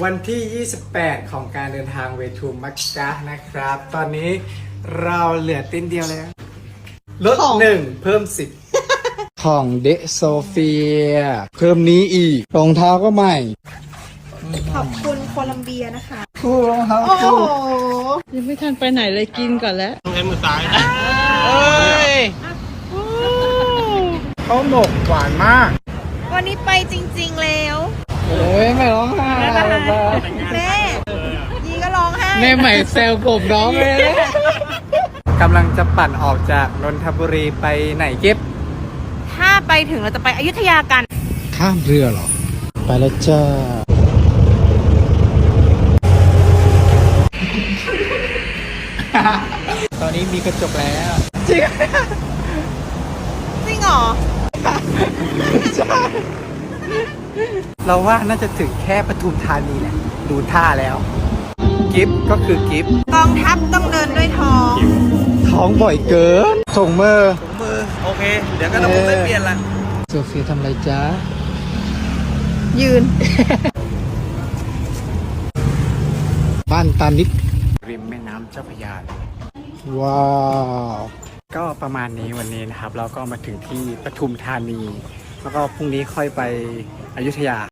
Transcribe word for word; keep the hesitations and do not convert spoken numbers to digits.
วันที่ ยี่สิบแปด ของการเดินทางเวทูมักกะนะครับ ตอนนี้เราเหลือติ้นเดียวแล้วลดหนึ่งเพิ่มสิบของเดโซเฟียเพิ่มนี้อีกรองเท้าก็ใหม่ขอบคุณโคลัมเบียนะคะคู่รองเท้าโอ้โหคู่ยังไม่ทันไปไหนเลยกินก่อนแล้วต้องใช้มือซ้ายนะเอ้ยเขาหมกหวานมากวันนี้ไปจริงๆแล้วโอ้ยไม่ร้องไห้แม่ยีก็ร้องไห้แม่ใหม่แซวกบน้องเลยนะกำลังจะปั่นออกจากนนทบุรีไปไหนเก็บถ้าไปถึงเราจะไปอยุธยากันข้ามเรือเหรอ ไปแล้วจ้า ตอนนี้มีกระจกแล้ว จริงจริงเหรอเราว่าน่าจะถึงแค่ปทุมธานีแหละ ดูท่าแล้ว กิฟก็คือกิฟกองทัพต้องเดินด้วยท้องท้องบ่อยเกินส่งมือถุงมือ โอเค เดี๋ยวก็ต้องได้เปลี่ยนละโซเฟียทำอะไรจ้ายืนบ้านตานิดริมแม่น้ำเจ้าพระยา ว้าว ก็ประมาณนี้วันนี้นะครับ เราก็มาถึงที่ปทุมธานี แล้วก็พรุ่งนี้ค่อยไปอยุธยา